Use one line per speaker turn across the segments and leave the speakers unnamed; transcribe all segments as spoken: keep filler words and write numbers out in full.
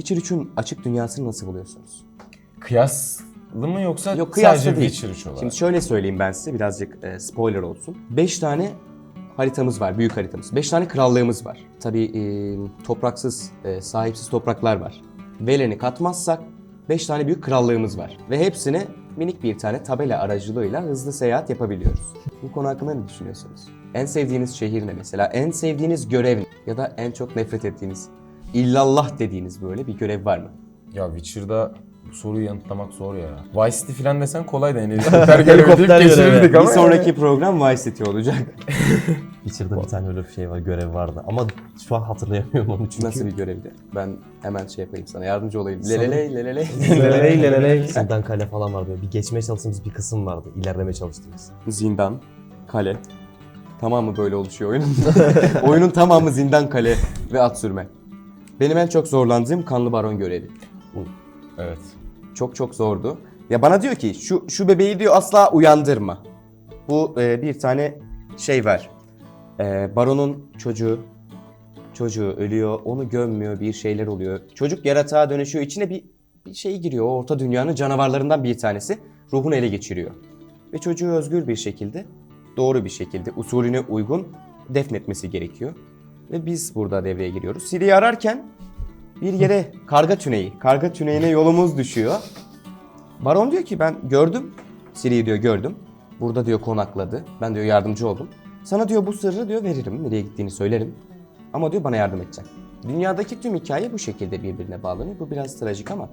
Witcher üçün açık dünyasını nasıl buluyorsunuz?
Kıyaslı mı yoksa
Yok, kıyaslı
sadece
değil.
Witcher üç olarak?
Şimdi şöyle söyleyeyim ben size, birazcık e, spoiler olsun. beş tane haritamız var, büyük haritamız. beş tane krallığımız var. Tabii e, topraksız, e, sahipsiz topraklar var. Velen'i katmazsak beş tane büyük krallığımız var. Ve hepsine minik bir tane tabela aracılığıyla hızlı seyahat yapabiliyoruz. Bu konu hakkında ne düşünüyorsunuz? En sevdiğiniz şehir ne mesela? En sevdiğiniz görev ne? Ya da en çok nefret ettiğiniz, illallah dediğiniz böyle bir görev var mı?
Ya Witcher'da bu soruyu yanıtlamak zor ya. Vice City falan desen kolay da yani helikopter görevi deyip
Helikopter görevi.
geçirirdik
Bir
ama.
sonraki program Vice City olacak.
Witcher'da bir tane öyle bir şey var, görev vardı. Ama şu an hatırlayamıyorum onu çünkü.
Nasıl bir görevdi? Ben hemen şey yapayım sana, yardımcı olayım. Leleley, leleley.
Leleley leleley. Zindan kale falan vardı. Böyle bir geçmeye çalıştığımız bir kısım vardı. İlerlemeye çalıştığımız.
Zindan, kale. Tamamı böyle oluşuyor oyunun. Oyunun tamamı zindan, kale ve at sürme. Benim en çok zorlandığım Kanlı Baron görevi.
Evet.
Çok çok zordu. Ya bana diyor ki şu şu bebeği diyor asla uyandırma. Bu e, bir tane şey var. E, Baron'un çocuğu çocuğu ölüyor, onu gömmüyor, bir şeyler oluyor. Çocuk yaratığa dönüşüyor, içine bir bir şey giriyor. O orta dünyanın canavarlarından bir tanesi ruhunu ele geçiriyor. Ve çocuğu özgür bir şekilde, doğru bir şekilde, usulüne uygun defnetmesi gerekiyor. Ve biz burada devreye giriyoruz. Ciri'yi ararken bir yere karga tüneyi, karga tüneyine yolumuz düşüyor. Baron diyor ki ben gördüm, Ciri'yi diyor gördüm. Burada diyor konakladı. Ben diyor yardımcı oldum. Sana diyor bu sırrı diyor veririm, nereye gittiğini söylerim. Ama diyor bana yardım edeceksin. Dünyadaki tüm hikaye bu şekilde birbirine bağlanıyor. Bu biraz trajik ama.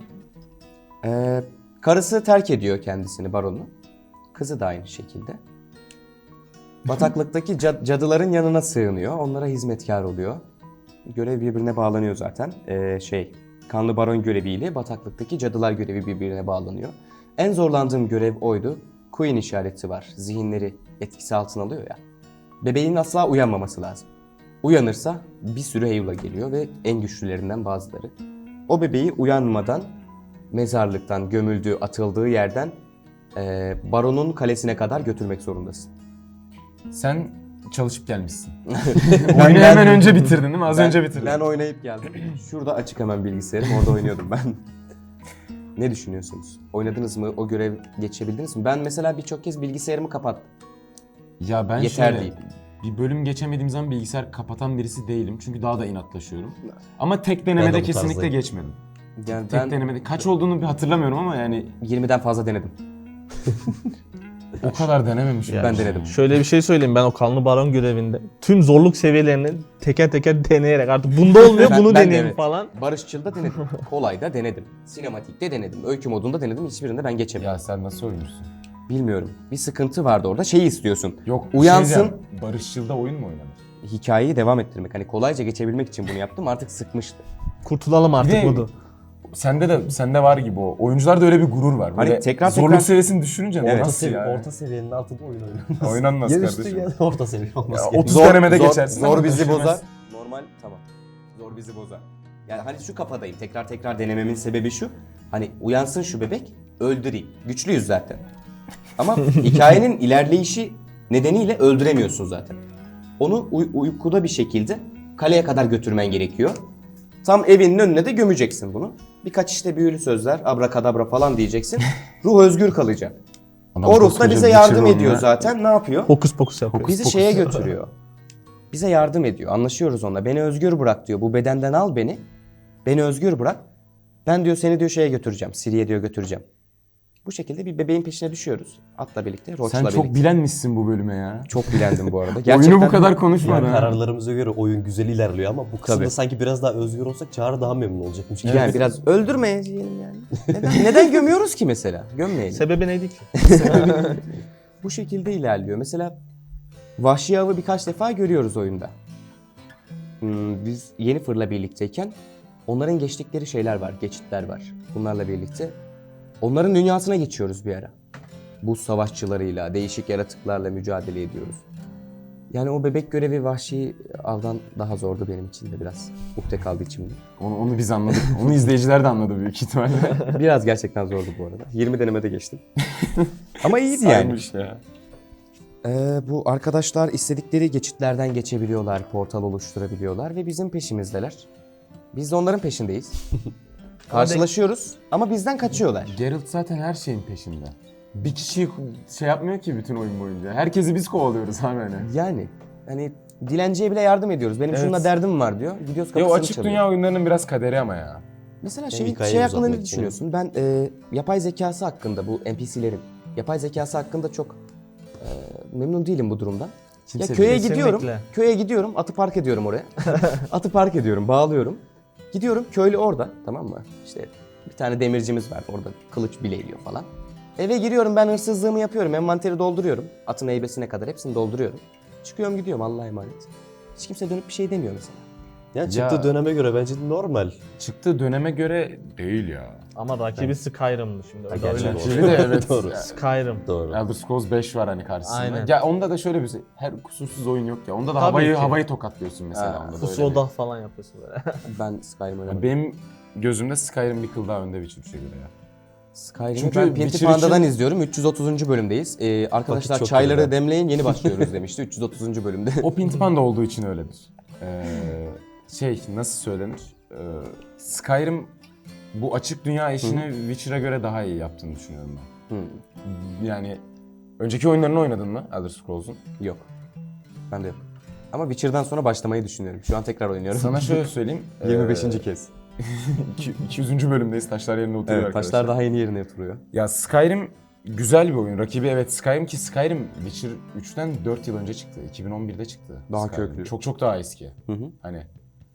Ee, karısı terk ediyor kendisini, Baron'u. Kızı da aynı şekilde. Bataklıktaki cad- cadıların yanına sığınıyor. Onlara hizmetkar oluyor. Görev birbirine bağlanıyor zaten. Ee, şey, Kanlı Baron göreviyle bataklıktaki cadılar görevi birbirine bağlanıyor. En zorlandığım görev oydu. Queen işareti var. Zihinleri etkisi altına alıyor ya. Bebeğin asla uyanmaması lazım. Uyanırsa bir sürü heyula geliyor ve en güçlülerinden bazıları. O bebeği uyanmadan mezarlıktan gömüldüğü, atıldığı yerden e, Baron'un kalesine kadar götürmek zorundasın.
Sen çalışıp gelmişsin. Oyunu hemen önce bitirdin değil mi? Az
Ben-
önce bitirdin.
Ben oynayıp geldim. Şurada açık hemen bilgisayarım, orada oynuyordum ben. Ne düşünüyorsunuz? Oynadınız mı? O görev geçebildiniz mi? Ben mesela birçok kez bilgisayarımı kapattım.
Ya ben
Yeter
şöyle,
değil.
bir bölüm geçemediğim zaman bilgisayar kapatan birisi değilim. Çünkü daha da inatlaşıyorum. Ama tek
Ben
denemede
de bu
kesinlikle
tarzdayım.
geçmedim.
Yani
Tek
ben
denemede. Kaç olduğunu bir hatırlamıyorum ama yani
yirmiden fazla denedim.
o kadar denememişim.
Yani
Ben denedim.
Şöyle bir şey söyleyeyim, ben o Kanlı Baron görevinde tüm zorluk seviyelerini teker teker deneyerek artık bunda olmuyor
Ben-
bunu
ben de
deneyeyim
evet.
falan.
Barışçıl'da denedim. Kolay'da denedim. Sinematik'te denedim. Öykü modunda denedim. Hiçbirinde ben geçemedim.
Ya sen nasıl oynuyorsun?
Bilmiyorum. Bir sıkıntı vardı orada. Şeyi istiyorsun.
Yok. bir
Uyansın.
şey diyeceğim. Barışçıl'da oyun mu oynanır?
Hikayeyi devam ettirmek. Hani kolayca geçebilmek için bunu yaptım. Artık sıkmıştı.
Kurtulalım artık
Bir de-
bunu.
Sende de sende var gibi o. Oyuncularda öyle bir gurur var.
Hani
Böyle
tekrar
zorluk
tekrar-
seviyesini düşününce
Evet.
Orta,
nasıl
sevi-
yani?
orta seviyenin altında oyun oynanmaz.
Oynanmaz
Ya
kardeşim.
üstü ya orta seviye olması
Ya
gerekiyor.
otuz denemede
zor,
geçersin
Zor
ama
bizi
düşürmez.
bozar. Normal tamam. Zor bizi bozar. Yani hani şu kafadayım. Tekrar tekrar denememin sebebi şu. Hani uyansın şu bebek, öldüreyim. Güçlüyüz zaten. Ama hikayenin ilerleyişi nedeniyle öldüremiyorsun zaten. Onu uy- uykuda bir şekilde kaleye kadar götürmen gerekiyor. Tam evinin önüne de gömeceksin bunu. Birkaç işte büyülü sözler, abrakadabra falan diyeceksin. Ruh özgür kalacak.
Adam
O ruh da
koskoca
bize
bir
yardım
çığır
ediyor
onunla.
zaten. Ne yapıyor?
Hokus pokus yapıyor.
Bizi şeye götürüyor. Bize yardım ediyor. Anlaşıyoruz onunla. Beni özgür bırak diyor. Bu bedenden al beni. Beni özgür bırak. Ben diyor seni diyor şeye götüreceğim. Siri'ye diyor götüreceğim. Bu şekilde bir bebeğin peşine düşüyoruz. Atla birlikte, Roach'la
Sen
birlikte.
çok bilenmişsin bu bölüme ya.
Çok bilendim bu arada.
Oyunu bu kadar konuşma
Yani
ha.
kararlarımıza göre oyun güzel ilerliyor ama bu kısımda
Tabii.
sanki biraz daha özgür olsak Çağrı daha memnun olacakmış. gibi.
Yani biraz öldürmeyelim yani. Neden, neden gömüyoruz ki mesela? Gömmeyelim.
Sebebi neydi ki?
Bu şekilde ilerliyor. Mesela vahşi avı birkaç defa görüyoruz oyunda. Hmm, biz Yennefer'la birlikteyken onların geçtikleri şeyler var, geçitler var. Bunlarla birlikte onların dünyasına geçiyoruz bir ara. Buz savaşçılarıyla, değişik yaratıklarla mücadele ediyoruz. Yani o bebek görevi vahşi avdan daha zordu benim için de biraz. Ukde kaldı içimde.
Onu, onu biz anladık. Onu izleyiciler de anladı büyük ihtimalle.
Biraz gerçekten zordu bu arada. yirmi denemede geçtim. Ama iyiydi yani.
Saymış ya.
Ee, bu arkadaşlar istedikleri geçitlerden geçebiliyorlar, portal oluşturabiliyorlar ve bizim peşimizdeler. Biz de onların peşindeyiz. Karşılaşıyoruz ama bizden kaçıyorlar.
Geralt zaten her şeyin peşinde. Bir kişiyi şey yapmıyor ki bütün oyun boyunca. Herkesi biz kovalıyoruz abi hani.
Yani hani dilenciye bile yardım ediyoruz. Benim
Evet.
şununla derdim var diyor. Gidiyoruz
Ya
kapısını
o açık
çalıyor.
dünya oyunlarının biraz kaderi ama ya.
Mesela
Hem
şey,
hikayeyi
şey hakkında
uzatmak
ne
için.
düşünüyorsun? Ben e, yapay zekası hakkında, bu N P C'lerin yapay zekası hakkında çok e, memnun değilim bu durumdan.
Kimse
ya köye
değil.
gidiyorum,
Kesinlikle.
köye gidiyorum, atı park ediyorum oraya. Atı park ediyorum, bağlıyorum. Gidiyorum, köylü orada, tamam mı? İşte bir tane demircimiz var, orada kılıç bileğliyor falan. Eve giriyorum, ben hırsızlığımı yapıyorum, envanteri dolduruyorum. Atın heybesine kadar hepsini dolduruyorum. Çıkıyorum gidiyorum, Allah'a emanet. Hiç kimse dönüp bir şey demiyor mesela.
Yani çıktığı
Ya-
döneme göre bence normal.
Çıktığı döneme göre değil ya.
Ama rakibi Skyrim'di şimdi.
Ha,
Öyle
gerçi
öyle.
doğru.
Şimdi de evet.
Doğru.
Ya,
Skyrim.
Doğru.
Elder Scrolls beş var hani karşısında.
Aynen.
Ya onda da şöyle bir şey. Her kusursuz oyun yok ya. Onda da
Tabii
havayı
ki.
havayı tokatlıyorsun mesela.
Ha,
onda da öyle
Pusuloda falan yapıyorsun böyle.
Ben Skyrim
bir-
oynamadım.
Ya benim gözümde Skyrim bir kıl daha önde Witcher üçe göre ya.
Skyrim'i
Çünkü
ben Pinti
Witcher
Panda'dan
için-
izliyorum. üç yüz otuzuncu bölümdeyiz. Ee, arkadaşlar
Vakit çok
çayları
geride.
demleyin, yeni başlıyoruz demişti üç yüz otuzuncu bölümde.
O Pinti Panda olduğu için öyledir. Ee, şey nasıl söylenir? Ee, Skyrim bu açık dünya işini Witcher'a göre daha iyi yaptığını düşünüyorum ben.
Hı,
Yani önceki oyunlarını oynadın mı Elder Scrolls'un?
yok. Ben de yok. Ama Witcher'dan sonra başlamayı düşünüyorum. Şu an tekrar oynuyorum.
Sana şöyle söyleyeyim.
yirmi beşinci
ee,
kez.
iki- iki yüzüncü bölümdeyiz. Taşlar yerine oturuyor
Evet,
arkadaşlar.
taşlar daha yeni yerine oturuyor.
Ya Skyrim güzel bir oyun. Rakibi evet Skyrim ki Skyrim Witcher üçten dört yıl önce çıktı. iki bin on birde çıktı.
Daha
Skyrim.
köklü.
Çok çok daha eski.
Hı hı.
Hani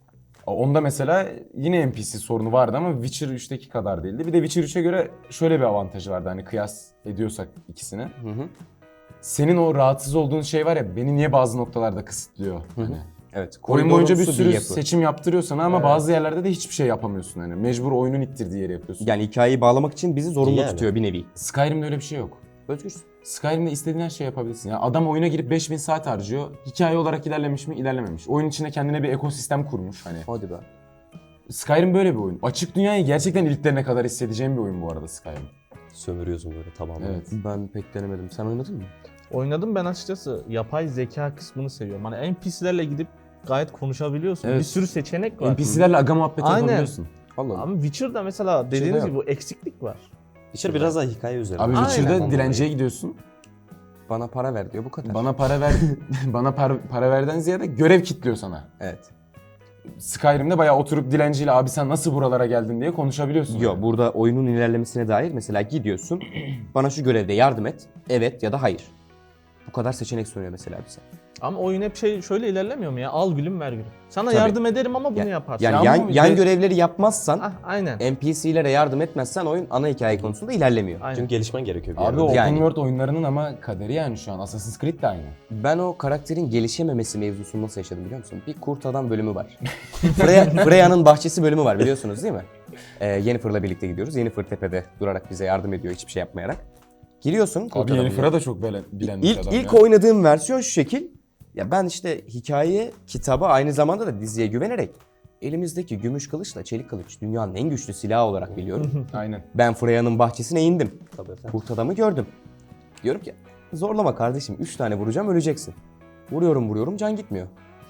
onda mesela yine N P C sorunu vardı ama Witcher üçteki kadar değildi. Bir de Witcher üçe göre şöyle bir avantajı vardı hani kıyas ediyorsak ikisini.
Hı hı.
Senin o rahatsız olduğun şey var ya beni niye bazı noktalarda kısıtlıyor hani.
Evet.
Oyun boyunca bir
koridorumsu
sürü
yapı.
seçim yaptırıyor sana ama
Evet.
bazı yerlerde de hiçbir şey yapamıyorsun hani. Mecbur oyunun ittirdiği yeri yapıyorsun.
Yani hikayeyi bağlamak için bizi zorunlu
Yani.
tutuyor bir nevi.
Skyrim'de öyle bir şey yok.
Özgürsün.
Skyrim'de istediğin her şeyi yapabilirsin. Ya adam oyuna girip beş bin saat harcıyor. Hikaye olarak ilerlemiş mi? İlerlememiş. Oyun içinde kendine bir ekosistem kurmuş hani.
Hadi be.
Skyrim böyle bir oyun. Açık dünyayı gerçekten iliklerine kadar hissedeceğim bir oyun bu arada Skyrim.
Sömürüyorsun böyle tamamen.
Evet.
Ben pek denemedim. Sen oynadın mı?
Oynadım ben açıkçası. Yapay zeka kısmını seviyorum. Hani N P C'lerle gidip gayet konuşabiliyorsun.
Evet.
Bir sürü seçenek var.
N P C'lerle aga muhabbeti
Aynen.
yapabiliyorsun.
Allah.
Ama Witcher'da mesela dediğiniz
yok.
gibi bu eksiklik var.
Witcher biraz daha hikaye üzerine.
Abi
Aynen.
Witcher'da
Ondan
dilenciye gidiyorsun.
Bana para ver diyor bu kadar.
Bana para ver, bana para, para verden ziyade görev kitliyor sana.
Evet.
Skyrim'de bayağı oturup dilenciyle abi sen nasıl buralara geldin diye konuşabiliyorsun.
Yok,
yani.
burada oyunun ilerlemesine dair mesela gidiyorsun. Bana şu görevde yardım et. Evet ya da hayır. Bu kadar seçenek sunuyor mesela bize.
Ama oyun hep şey şöyle ilerlemiyor mu ya? Al gülüm ver gülüm. Sana
Tabii.
yardım ederim ama bunu
Ya-
yaparsın.
Yani
Ya
yan,
ama
yan
de-
görevleri yapmazsan,
Ah, aynen.
N P C'lere yardım etmezsen oyun ana hikaye konusunda ilerlemiyor.
Aynen.
Çünkü gelişmen gerekiyor bir
Abi
yerde.
o
Yani.
open world oyunlarının ama kaderi yani şu an. Assassin's Creed de aynı.
Ben o karakterin gelişememesi mevzusunu nasıl yaşadım biliyor musun? Bir kurt adam bölümü var. Freya, Freya'nın bahçesi bölümü var biliyorsunuz değil mi? Ee, Yennefer'la birlikte gidiyoruz. Yennefer tepede durarak bize yardım ediyor hiçbir şey yapmayarak. Giriyorsun kurt
Abi
adamın
Yennefer'a da çok bilen, bilen bir
İlk,
adam
ilk
ya.
oynadığım versiyon şu şekil. Ya ben işte hikaye, kitaba aynı zamanda da diziye güvenerek elimizdeki gümüş kılıçla çelik kılıç dünyanın en güçlü silahı olarak biliyorum.
Aynen.
Ben Freya'nın bahçesine indim.
Tabii efendim.
Kurt adamı gördüm. Diyorum ki zorlama kardeşim üç tane vuracağım öleceksin. Vuruyorum vuruyorum can gitmiyor.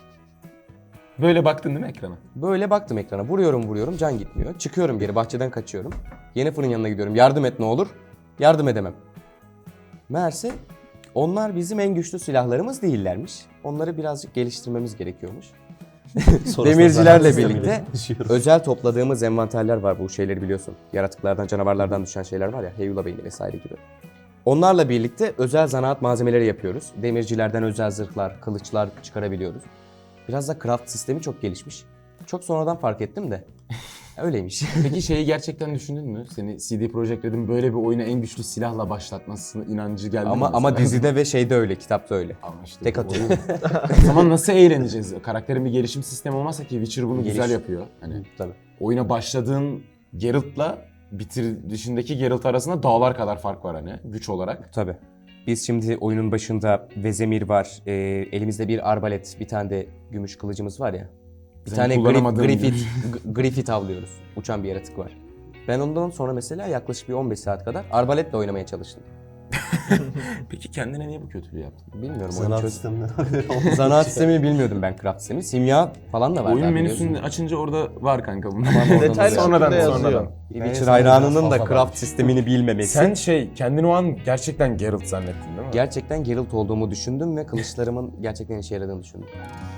Böyle baktın değil mi ekrana?
Böyle baktım ekrana vuruyorum vuruyorum can gitmiyor. Çıkıyorum geri bahçeden kaçıyorum. Yennefer'ın yanına gidiyorum yardım et ne olur. Yardım edemem. Meğerse onlar bizim en güçlü silahlarımız değillermiş. Onları birazcık geliştirmemiz gerekiyormuş.
Sonrasında
Demircilerle
zaten
birlikte
sistemiyle düşüyoruz.
özel topladığımız envanterler var, bu şeyleri biliyorsun. Yaratıklardan, canavarlardan düşen şeyler var ya, heyula beyni vesaire gibi. Onlarla birlikte özel zanaat malzemeleri yapıyoruz. Demircilerden özel zırhlar, kılıçlar çıkarabiliyoruz. Biraz da craft sistemi çok gelişmiş. Çok sonradan fark ettim de. Öyleymiş.
Peki şeyi gerçekten düşündün mü? Seni C D Projekt Red'in böyle bir oyuna en güçlü silahla başlatmasını inancı geldi mi
ama ama
mesela?
dizide ve şeyde öyle, kitapta öyle.
Ama işte
Tek
bu
atıyor.
oyun- O zaman nasıl eğleneceğiz? Karakterin bir gelişim sistemi olmazsa ki Witcher bunu
Geliş.
güzel yapıyor. Hani
Tabii.
oyuna başladığın Geralt'la bitirişindeki Geralt arasında dağlar kadar fark var hani güç olarak.
Tabii. Biz şimdi oyunun başında Vezemir var, e, elimizde bir arbalet, bir tane de gümüş kılıcımız var ya. Bir
Senin
tane grif,
kullanamadığın
Griffith, G- Griffith avlıyoruz. Uçan bir yaratık var. Ben ondan sonra mesela yaklaşık bir on beş saat kadar arbaletle oynamaya çalıştım.
Peki kendine niye bu kötülüğü yaptın?
Bilmiyorum. oyun
Zanaat
çöz-
sisteminden haberi olmuş.
Zanaat sistemini bilmiyordum ben, craft sistemi. Simya falan da var.
Oyun
daha
menüsünü
biliyorsun.
açınca orada var kanka bunlar.
oradan
Detaylı
oluyor.
sonradan
şekilde yazıyor.
sonradan.
Bir
Ben
Witcher
sana
hayranının
biraz
da
fazla
craft
varmış.
sistemini bilmemesi.
Sen şey kendini o an gerçekten Geralt zannettin değil mi?
Gerçekten Geralt olduğumu düşündüm ve kılıçlarımın gerçekten işe yaradığını düşündüm.